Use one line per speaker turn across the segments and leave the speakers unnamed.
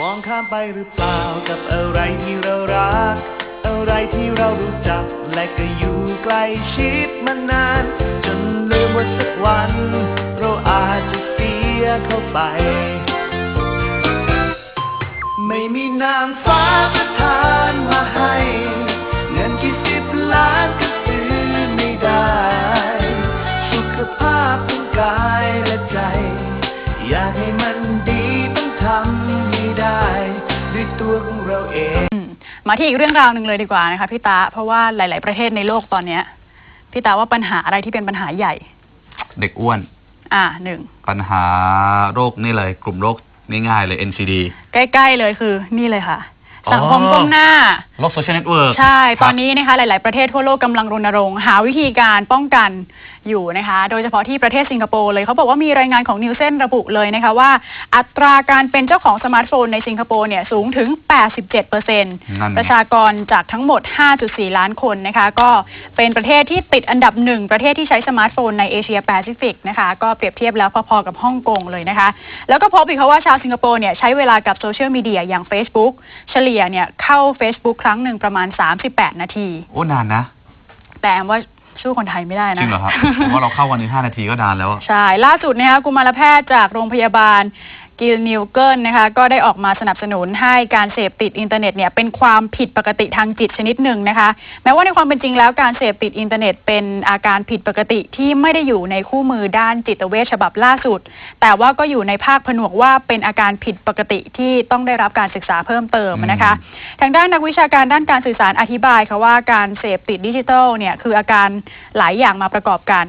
องข้ามไปหรือเปล่ากับอะไรที่เรารักอะไรที่เรารู้จักและก็อยู่ใกล้ชิดมานานจนลืมว่าสักวันเราอาจจะเสียเข้าไปไม่มีนางฟ้าประทานมาให้เงินกี่10 ล้านก็ซื้อไม่ได้สุขภาพทั้งกายและใจอยากให้มันดีต้องทำให้ได้ด้วยตัวของเราเอง
มาที่อีกเรื่องราวหนึ่งเลยดีกว่านะคะพี่ตาเพราะว่าหลายๆประเทศในโลกตอนนี้พี่ตาว่าปัญหาอะไรที่เป็นปัญหาใหญ่
เด็กอ้วน
1
ปัญหาโรคนี่เลยกลุ่มโรคง่ายๆเลย NCD
ใกล้ๆเลยคือนี่เลยค่ะสังคมก้มหน้า
โลกโซเชียลเน็ตเวิร์ก
ใช่ตอนนี้นะคะหลายๆประเทศทั่วโลกกำลังรณรงค์หาวิธีการป้องกันอยู่นะคะโดยเฉพาะที่ประเทศสิงคโปร์เลยเขาบอกว่ามีรายงานของนิวเซนระบุเลยนะคะว่าอัตราการเป็นเจ้าของสมาร์ทโฟนในสิงคโปร์เนี่ยสูงถึง 87% ประชากรจากทั้งหมด 5.4 ล้านคนนะคะก็เป็นประเทศที่ติดอันดับ1ประเทศที่ใช้สมาร์ทโฟนในเอเชียแปซิฟิกนะคะก็เปรียบเทียบแล้วพอๆกับฮ่องกงเลยนะคะแล้วก็พบอีกว่าชาวสิงคโปร์เนี่ยใช้เวลากับโซเชียลมีเดียอย่าง Facebook เฉลี่ยเนี่ยเข้า Facebook ครั้งหนึ่งประมาณ38 นาที
โอ้นานนะ
แต่ว่าสู้คนไทยไม่ได้นะ
จริงเหรอครับผมว่าเราเข้าวันนี้5 นาทีก็นานแล้ว
ใช่ล่าสุดนะคะกุมารแพทย์จากโรงพยาบาลกิลนิวเกิลนะคะก็ได้ออกมาสนับสนุนให้การเสพติดอินเทอร์เน็ตเนี่ยเป็นความผิดปกติทางจิตชนิดหนึ่งนะคะแม้ว่าในความเป็นจริงแล้วการเสพติดอินเทอร์เน็ตเป็นอาการผิดปกติที่ไม่ได้อยู่ในคู่มือด้านจิตเวชฉบับล่าสุดแต่ว่าก็อยู่ในภาคผนวกว่าเป็นอาการผิดปกติที่ต้องได้รับการศึกษาเพิ่มเติมนะคะทางด้านนักวิชาการด้านการสื่อสารอธิบายค่ะว่าการเสพติดดิจิทัลเนี่ยคืออาการหลายอย่างมาประกอบกัน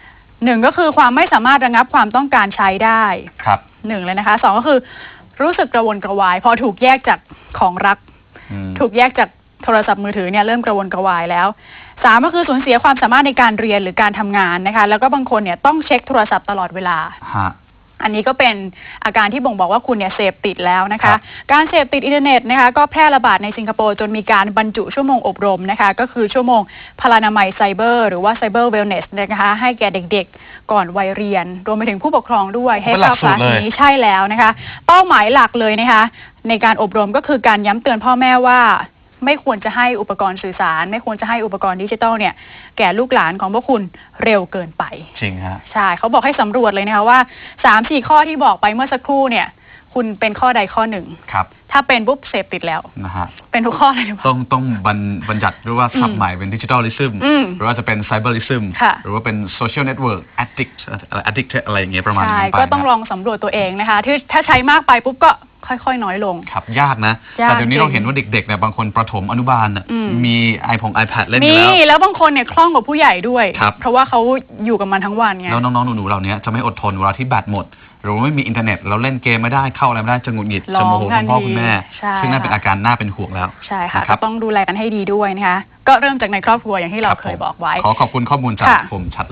1ก็คือความไม่สามารถระงับความต้องการใช้ได้
ครับ
1เลยนะคะ2ก็คือรู้สึกกระวนกระวายพอถูกแยกจากของรักถูกแยกจากโทรศัพท์มือถือเนี่ยเริ่มกระวนกระวายแล้ว3ก็คือสูญเสียความสามารถในการเรียนหรือการทำงานนะคะแล้วก็บางคนเนี่ยต้องเช็คโทรศัพท์ตลอดเวลาอันนี้ก็เป็นอาการที่บ่งบอกว่าคุณเนี่ยเสพติดแล้วนะคะการเสพติดอินเทอร์เน็ตนะคะก็แพร่ระบาดในสิงคโปร์จนมีการบรรจุชั่วโมงอบรมนะคะก็คือชั่วโมงพลานามัยไซเบอร์หรือว่าไซเบอร์เวลเนสนะคะให้แก่เด็กๆก่อนวัยเรียนรวมไปถึงผู้ปกครองด้วยให้เข้าคลาสนี้ใช่แล้วนะคะเป้าหมายหลักเลยนะคะในการอบรมก็คือการย้ำเตือนพ่อแม่ว่าไม่ควรจะให้อุปกรณ์สื่อสารไม่ควรจะให้อุปกรณ์ดิจิทัลเนี่ยแก่ลูกหลานของพวกคุณเร็วเกินไป
จริงฮะ
ใช่เขาบอกให้สำรวจเลยนะคะว่า 3-4 ข้อที่บอกไปเมื่อสักครู่เนี่ยคุณเป็นข้อใดข้อหนึ่ง
ครับ
ถ้าเป็นปุ๊บเสพติดแล้ว
นะฮะ
เป็นทุกข้อเลยหรือเปล่า
ต้องบัญญัติด้วยว่าศัพท์ใหม่เป็นดิจิทัลลิซึมหรือว่าจะเป็นไซเบอร์ลิซึมหรือว่าเป็นโซเชียลเน็ตเวิร์กแอดดิกอะไรอย่างเงี้ยประมาณนี้ไป
ก็ต้องลองสำรวจตัวเองนะคะที่ถ้าใช้มากไปปุ๊บก็ค่อยๆน้อยลง
ครับยากนะแต่เดี๋ยวนี้เราเห็นว่าเด็กๆเนี่ยบางคนประถมอนุบาลมีiPad เล่นอยู่
แล้วบางคนเนี่ยคล่องกว่าผู้ใหญ่ด้วยเพราะว่าเขาอยู่กับมันทั้งวันไง
แล้วน้องๆหนูๆเหล่านี้จะไม่อดทนเวลาที่แบตหมดหรือไม่มีอินเทอร์เน็ตเราเล่นเกมไม่ได้เข้าอะไรไม่ได้จะหงุดหงิดจะโมโหคุณพ่อคุณแม่ซึ่งนั่นเป็นอาการน่าเป็นห่วงแล้ว
ใช่ค่ะก็ต้องดูแลกันให้ดีด้วยนะคะก็เริ่มจากในครอบครัวอย่างที่เราเคยบอกไว้
ขอขอบคุณข้อมูลจากผมชัด